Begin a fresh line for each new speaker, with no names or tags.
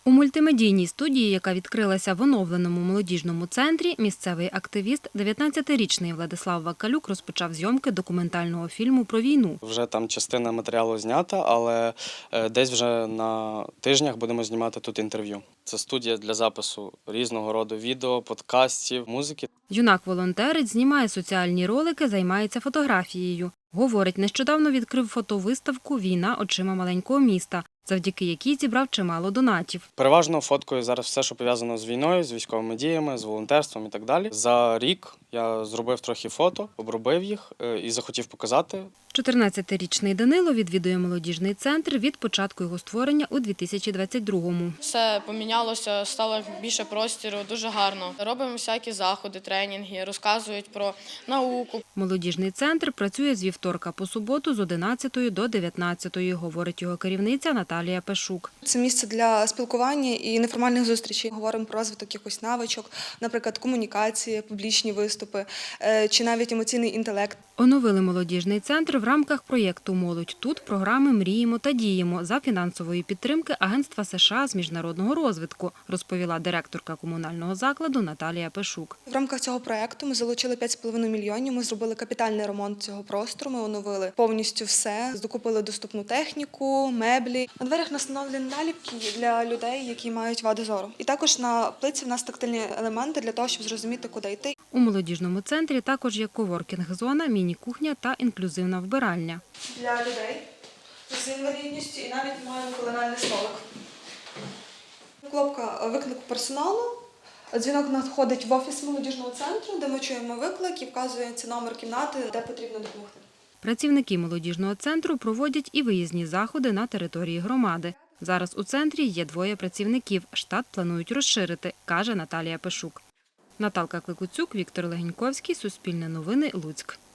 У мультимедійній студії, яка відкрилася в оновленому молодіжному центрі, місцевий активіст, 19-річний Владислав Вакалюк розпочав зйомки документального фільму про війну.
Вже там частина матеріалу знята, але десь вже на тижнях будемо знімати тут інтерв'ю. Це студія для запису різного роду відео, подкастів, музики.
Юнак-волонтерець знімає соціальні ролики, займається фотографією. Говорить, нещодавно відкрив фотовиставку «Війна очима маленького міста», завдяки якій зібрав чимало донатів.
Переважно фоткою зараз все, що пов'язано з війною, з військовими діями, з волонтерством і так далі. За рік я зробив трохи фото, обробив їх і захотів показати.
14-річний Данило відвідує молодіжний центр від початку його створення у 2022-му.
Все помінялося, стало більше простору, дуже гарно. Робимо всякі заходи, тренінги, розказують про науку.
Молодіжний центр працює з вівторка по суботу з 11 до 19, говорить його керівниця Наталія Пешук.
Це місце для спілкування і неформальних зустрічей. Говоримо про розвиток якихось навичок, наприклад, комунікації, публічні виступи чи навіть емоційний інтелект.
Оновили молодіжний центр в рамках проєкту «Молодь тут» програми «Мріємо та діємо» за фінансової підтримки Агентства США з міжнародного розвитку, розповіла директорка комунального закладу Наталія Пешук.
В рамках цього проєкту ми залучили 5,5 мільйонів, ми зробили капітальний ремонт цього простору, ми оновили повністю все, докупили доступну техніку, меблі. На дверях настановлені наліпки для людей, які мають вади зору. І також на плитці в нас тактильні елементи для того, щоб зрозуміти, куди йти.
У молодіжному центрі також є коворкінг-зона, міні-кухня та інклюзивна вбиральня.
Для людей з інвалідністю і навіть маємо кулінарний столик. Кнопка виклику персоналу. Дзвінок надходить в офіс молодіжного центру, де ми чуємо виклик і вказується номер кімнати, де потрібно допомогти.
Працівники молодіжного центру проводять і виїзні заходи на території громади. Зараз у центрі є 2 працівників. Штат планують розширити, каже Наталія Пешук. Наталка Кликуцюк, Віктор Легеньковський, Суспільне новини, Луцьк.